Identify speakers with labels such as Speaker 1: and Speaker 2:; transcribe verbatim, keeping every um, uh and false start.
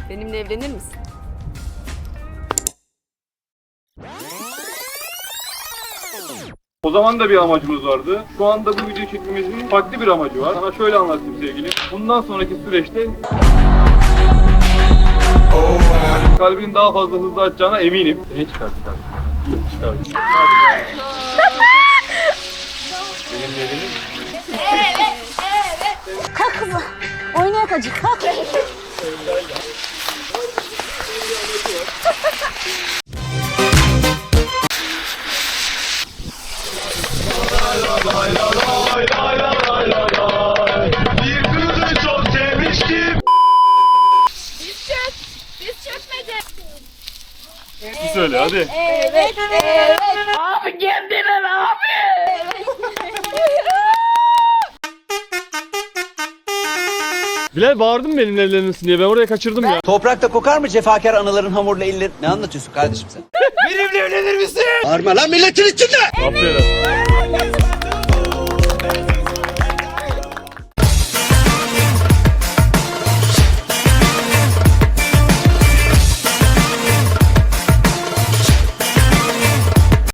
Speaker 1: Benimle evlenir misin?
Speaker 2: O zaman da bir amacımız vardı. Şu anda bu videoyu çekmemizin farklı bir amacı var. Sana şöyle anlatayım sevgilim. Bundan sonraki süreçte kalbinin daha fazla hızlı atacağına eminim. Ne çıkarttı kardeşim? Çıkarttı. Benimle evlenir misin?
Speaker 3: Evet, evet. Kalk kızım. Oynayak acık, kalk.
Speaker 2: Bir kızı çok sevmiştim.
Speaker 3: Biz çök, biz çökmedi.
Speaker 2: Bir söyle hadi.
Speaker 3: Evet, evet. Abi kendine ne abi?
Speaker 2: Bilal bağırdın mı benimle evlenirsin diye, ben oraya kaçırdım ya.
Speaker 4: Toprakta kokar mı cefakar anaların hamurla elleri? Ne anlatıyorsun kardeşim sen?
Speaker 2: Benimle evlenir misin?
Speaker 4: Bağırma lan milletin içinde!
Speaker 2: Aferin.